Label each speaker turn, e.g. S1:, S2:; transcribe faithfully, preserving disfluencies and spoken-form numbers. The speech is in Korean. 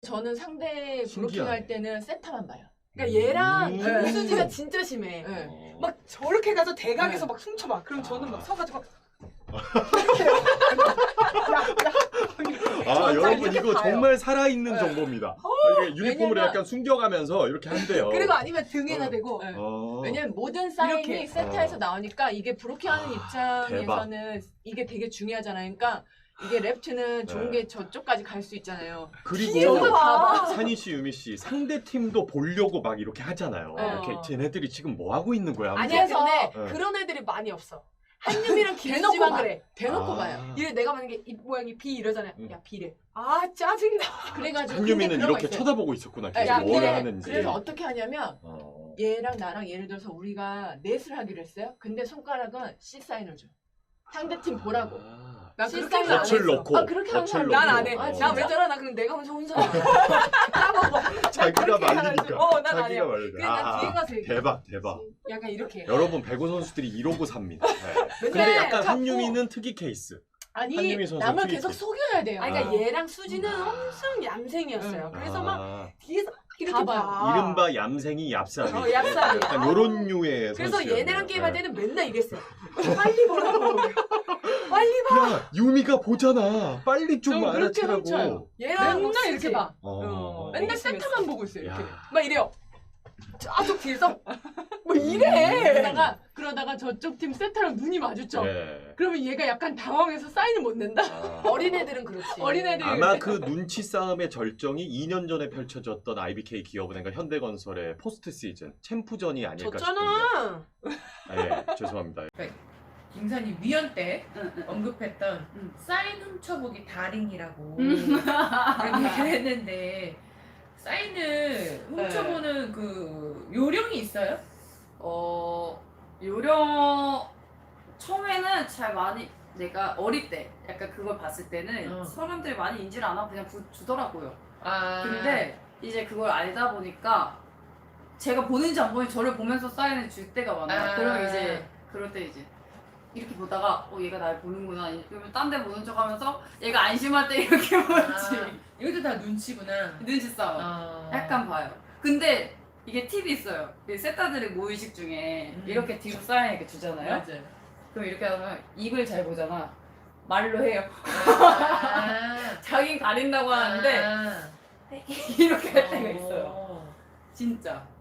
S1: 저는 상대 브로킹 할 때는 세타만 봐요.
S2: 그러니까 얘랑
S3: 음.
S2: 김수지가 진짜 심해.
S1: 네.
S3: 어.
S2: 막 저렇게 가서 대각에서
S1: 네.
S2: 막 훔쳐봐. 그럼 저는 막
S3: 아.
S2: 서가지고 이렇게 해요. 야, 야.
S3: 아
S2: 진짜
S3: 여러분
S2: 이렇게
S3: 이거
S2: 봐요.
S3: 정말 살아있는
S1: 네.
S3: 정보입니다. 아, 이게 유니폼을
S1: 왜냐면-
S3: 약간 숨겨가면서 이렇게 한대요.
S2: 그리고 아니면 등에다
S3: 어.
S2: 대고
S1: 네.
S3: 어.
S1: 왜냐면 모든 사인이
S2: 이렇게.
S1: 세타에서
S3: 어.
S1: 나오니까 이게 브로킹하는
S3: 아,
S1: 입장에서는 이게 되게 중요하잖아요. 그러니까 이게 랩트는 좋은
S3: 네.
S1: 게 저쪽까지 갈 수 있잖아요.
S3: 그리고
S2: 이거 봐.
S3: 산희 씨, 유미 씨 상대 팀도 보려고 막 이렇게 하잖아요.
S1: 네.
S3: 이렇게 쟤네들이 지금 뭐 하고 있는 거야? 하면서.
S2: 아니야
S1: 그래서-
S2: 근데
S3: 네.
S2: 그런 애들이 많이 없어. 한유미랑
S1: 대놓고
S2: 김수지만
S1: 봐.
S2: 그래.
S1: 대놓고
S3: 아.
S1: 봐요.
S2: 이래 내가 만약에 입 모양이 B 이러잖아요.
S3: 음.
S2: 야 B래. 아 짜증나.
S1: 그래가지고
S3: 한유미는
S1: 근데 그런 거
S3: 이렇게
S1: 있어요.
S3: 쳐다보고 있었구나.
S1: 네,
S3: 계속
S2: 야,
S3: 뭘
S2: 그래.
S3: 하는지.
S1: 그래서 어떻게 하냐면
S3: 어.
S1: 얘랑 나랑 예를 들어서 우리가 넷을 하기로 했어요. 근데 손가락은 C 사인을 줘. 상대팀 보라고.
S3: 아.
S2: 나
S1: 실상은
S2: 그렇게는 안
S3: 덫을
S2: 했어.
S3: 넣고.
S1: 아, 그렇게 하는
S3: 덫을
S1: 사람
S3: 넣고.
S2: 난 안 해.
S1: 아,
S3: 어.
S1: 진짜?
S2: 나 왜 저러? 나 그럼 내가 혼자 혼자 까먹어.
S3: 자기가
S2: 그렇게
S3: 말리니까.
S2: 해가지고. 어, 난
S3: 자기가
S2: 아니야.
S3: 말리니까.
S2: 그냥 나 뒤에 가서 얘기해.
S3: 대박 대박.
S2: 약간 이렇게.
S3: 여러분 배구 선수들이 이러고 삽니다. 네. 근데
S2: 맨날
S3: 약간
S2: 자꾸-
S3: 한유미는 특이 케이스.
S1: 아니
S3: 한유미 선수
S1: 남을
S3: 트위터.
S1: 계속 속여야 돼요.
S2: 아 그러니까
S3: 아.
S2: 얘랑 수지는 엄청 얌생이었어요.
S1: 응.
S2: 그래서
S3: 아.
S2: 막 뒤에서 이렇게
S1: 다
S2: 봐.
S3: 이른바 얌생이 얍삽이.
S2: 어, 얍삽이.
S3: 약간 요런 류의
S2: 그래서
S3: 선수였네요.
S2: 얘네랑 게임할
S3: 네.
S2: 때는 맨날 이랬어요. 빨리 보라고. 빨리 봐.
S3: 야 유미가 보잖아. 빨리 좀
S1: 좀 그렇게
S3: 알아채라고.
S1: 훔쳐요.
S2: 얘랑
S1: 맨날
S2: 수지.
S1: 이렇게 봐.
S3: 어.
S2: 어,
S1: 맨날
S2: 심했어.
S1: 세타만 보고 있어요. 이렇게.
S3: 야.
S2: 막 이래요. 저쪽 뒤에서 뭐 이래.
S1: 그러다가 그러다가 저쪽 팀 세타랑 눈이 마주쳐.
S3: 네.
S1: 그러면 얘가 약간 당황해서 사인을 못 낸다.
S3: 아.
S2: 어린애들은 그렇지.
S1: 어린애들.
S3: 아마 그 눈치 싸움의 절정이 이 년 전에 펼쳐졌던 아이비케이 기업은행과 현대건설의 포스트 시즌 챔프전이 아닐까 싶은데.
S2: 졌잖아.
S3: 아, 예, 죄송합니다.
S4: 김선희 위원 때
S5: 응, 응.
S4: 언급했던
S5: 응.
S4: 사인 훔쳐보기 다링이라고
S5: 음.
S4: 그런 얘기를 했는데 사인을 훔쳐보는 그 요령이 있어요?
S5: 어 요령 처음에는 잘 많이 내가 어릴 때 약간 그걸 봤을 때는
S4: 어.
S5: 사람들이 많이 인지를 안 하고 그냥 부, 주더라고요.
S4: 아
S5: 근데 이제 그걸 알다 보니까 제가 보는지 안 보는지 저를 보면서 사인을 줄 때가 많아요.
S4: 아.
S5: 그럼 이제 그럴 때 이제 이렇게 보다가 어 얘가 날 보는구나 그러면 딴 데 보는 척 하면서 얘가 안심할 때 이렇게 보지.
S4: 아, 이것도 다 눈치구나.
S5: 눈치 싸움.
S4: 아.
S5: 약간 봐요. 근데 이게 팁이 있어요. 이 세타들의 모의식 중에
S4: 음.
S5: 이렇게 뒤로 사인 이렇게 주잖아요.
S4: 맞아요.
S5: 그럼 이렇게 하면 입을 잘 보잖아. 말로 해요.
S4: 아.
S5: 자긴 가린다고 하는데
S4: 아.
S5: 이렇게 할 때가
S4: 어.
S5: 있어요. 진짜.